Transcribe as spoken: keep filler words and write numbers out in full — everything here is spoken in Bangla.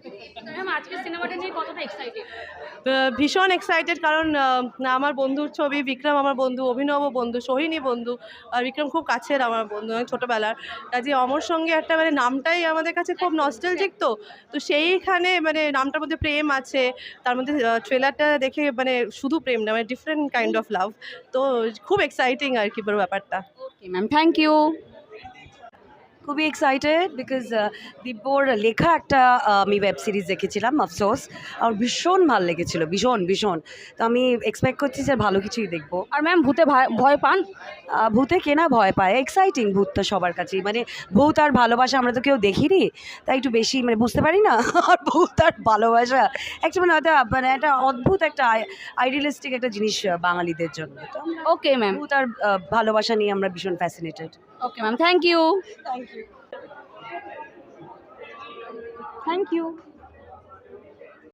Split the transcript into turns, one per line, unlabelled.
ম্যাম আজকে সিনেমাটা নিয়ে কতটা এক্সাইটেড?
ভীষণ এক্সাইটেড, কারণ আহ, আমার বন্ধুর ছবি, বিক্রম আমার বন্ধু, অভিনব বন্ধু, সোহিনী বন্ধু, আর বিক্রম খুব কাছের আমার বন্ধু, অনেক ছোটোবেলার। কাজে অমর সঙ্গে একটা মানে নামটাই আমাদের কাছে খুব নস্টালজিক, তো তো সেইখানে মানে নামটার মধ্যে প্রেম আছে, তার মধ্যে ট্রেলারটা দেখে মানে শুধু প্রেম না, মানে ডিফারেন্ট কাইন্ড অফ লাভ, তো খুব এক্সাইটিং আর কি পুরো ব্যাপারটা।
Okay ma'am, thank you.
খুবই এক্সাইটেড বিকজ দিব্যর লেখা একটা আহ, আমি ওয়েব সিরিজ দেখেছিলাম আফসোস, আমার ভীষণ ভালো লেগেছিল, ভীষণ ভীষণ। তো আমি এক্সপেক্ট করছি যে ভালো কিছুই দেখবো।
আর ম্যাম ভূতে ভয় ভয় পান?
আহ, ভূতে কেনা ভয় পায়, এক্সাইটিং ভূতটা সবার কাছেই, মানে ভূত আর ভালোবাসা আমরা তো কেউ দেখিনি, তাই একটু বেশি মানে বুঝতে পারি না। আর ভূত আর ভালোবাসা একটা মানে হয়তো মানে একটা অদ্ভুত একটা আইডিয়ালিস্টিক একটা জিনিস আহ, বাঙালিদের জন্য। তো আমরা
ওকে ম্যাম।
ভূত আর আহ, ভালোবাসা নিয়ে আমরা ভীষণ fascinated.
Okay ma'am, thank you.
Thank you.
Thank you.